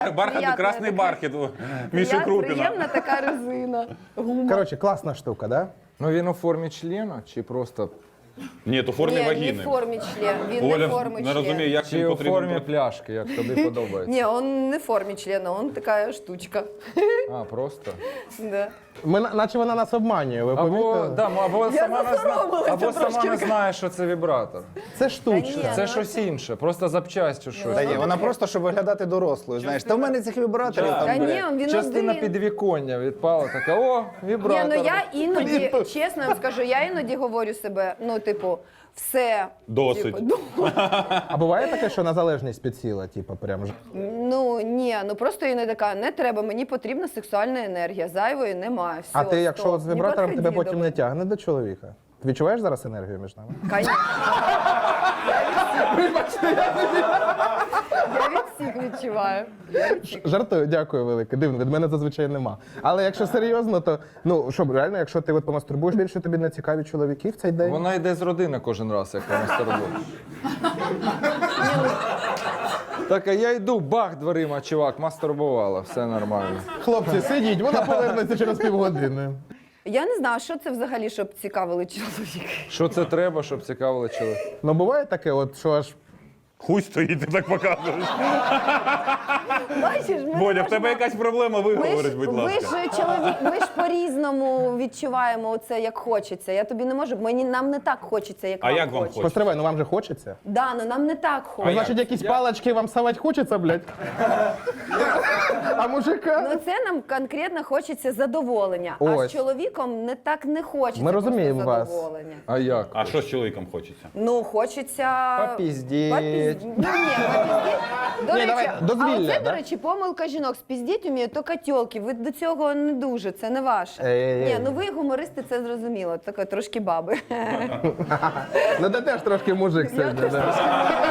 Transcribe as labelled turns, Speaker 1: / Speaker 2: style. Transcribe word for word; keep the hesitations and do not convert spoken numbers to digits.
Speaker 1: Бархат, красний бархат. Міша Крупіна.
Speaker 2: Приємна така резина. Гума.
Speaker 3: Коротше, класна штука, да?
Speaker 4: Ну він у формі члена чи просто...
Speaker 1: Ні, то в формі
Speaker 2: Ні, не
Speaker 1: вагіни.
Speaker 2: в формі член. Він не
Speaker 1: Оля
Speaker 2: в формі
Speaker 1: не
Speaker 2: член.
Speaker 1: розуміє, як
Speaker 4: Чи
Speaker 1: він
Speaker 4: у
Speaker 1: потрібен.
Speaker 4: формі пляшки, як тобі подобається?
Speaker 2: Ні, он не в формі члена, он така штучка.
Speaker 4: А, просто?
Speaker 2: Да.
Speaker 3: Ми, на- наче вона нас обманює, ви
Speaker 4: Або,
Speaker 3: помітили?
Speaker 4: да, або,
Speaker 2: Я
Speaker 4: сама, не зна...
Speaker 2: засоромилася
Speaker 4: або сама
Speaker 2: трошки.
Speaker 4: не знає, що це вібратор.
Speaker 3: Це штучка.
Speaker 2: Та ні.
Speaker 4: Це щось інше, просто запчасть чи щось.
Speaker 5: Та ні, вона просто, щоб виглядати дорослою, знаєш. Та в мене цих вібраторів
Speaker 2: Та
Speaker 5: там,
Speaker 2: ні,
Speaker 5: бля.
Speaker 2: він
Speaker 4: Частина
Speaker 2: один.
Speaker 4: підвіконня відпала, така, о,
Speaker 2: Ні,
Speaker 4: вібратор.
Speaker 2: ну я іноді, чесно вам скажу, я іноді говорю себе, ну, типу, все.
Speaker 1: Досить.
Speaker 2: Типу, ну,
Speaker 3: А буває таке, що на залежність підсіла, типу, прям ж.
Speaker 2: ну, ні, ну просто іноді така, не треба, мені потрібна сексуальна енергія, зайвої немає, все,
Speaker 3: А ти, якщо
Speaker 2: стоп,
Speaker 3: от з
Speaker 2: не
Speaker 3: вібратором тебе
Speaker 2: підходи
Speaker 3: потім
Speaker 2: до
Speaker 3: не тягне до чоловіка? Ти відчуваєш зараз енергію між нами?
Speaker 2: Конечно. Я від всіх відчуваю.
Speaker 3: Жартую, дякую велике. Дивно, від мене зазвичай нема. Але якщо серйозно, то ну що, реально, якщо ти от помастурбуєш більше, тобі не цікаві чоловіки в цей день?
Speaker 4: Вона йде з родини кожен раз, як вона старбує. Так, а я йду, бах дверима, чувак, мастурбувала, все нормально.
Speaker 3: Хлопці, сидіть, вона повернеться через півгодини.
Speaker 2: Я не знаю, що це взагалі, щоб цікавили чоловіки.
Speaker 4: Що це треба, щоб цікавило чоловік?
Speaker 3: Ну буває таке, от що аж
Speaker 1: Хуй стоїть, ти так показуєш.
Speaker 2: Бачиш, ми
Speaker 1: Бодя,
Speaker 2: не
Speaker 1: в тебе
Speaker 2: можемо-
Speaker 1: якась проблема,
Speaker 2: Ми
Speaker 1: виговориш,
Speaker 2: ж,
Speaker 1: будь
Speaker 2: ви
Speaker 1: ласка.
Speaker 2: ж чоловік, ми ж по-різному відчуваємо оце, як хочеться. Я тобі не можу, мені нам не так хочеться, як
Speaker 1: А
Speaker 2: вам
Speaker 1: як вам
Speaker 2: хочеться.
Speaker 1: хочеться?
Speaker 3: постривай, ну вам же хочеться.
Speaker 2: Да, ну нам не так
Speaker 3: Ну,
Speaker 2: хочеться.
Speaker 3: значить, якісь палочки вам совать хочеться, блядь? А мужика?
Speaker 2: Ну це нам конкретно хочеться задоволення, а
Speaker 3: Ось.
Speaker 2: з чоловіком не так не хочеться.
Speaker 3: Ми
Speaker 2: просто
Speaker 3: розуміємо вас.
Speaker 2: задоволення.
Speaker 4: А як?
Speaker 1: А що з чоловіком хочеться?
Speaker 2: Ну, хочеться...
Speaker 4: Попіздіть.
Speaker 2: Попізд- Ну, ні, попіздіть. До
Speaker 3: Ні,
Speaker 2: речі,
Speaker 3: давай,
Speaker 2: а
Speaker 3: дозвілля,
Speaker 2: оце,
Speaker 3: да?
Speaker 2: до речі, помилка жінок. Спіздіть вміють тільки тьолки. Ви до цього не дуже, це не ваше.
Speaker 3: Ей-ей-ей.
Speaker 2: Ні, ну ви гумористи, це зрозуміло. Таке трошки баби.
Speaker 3: Ну ти теж трошки мужик сьогодні. да.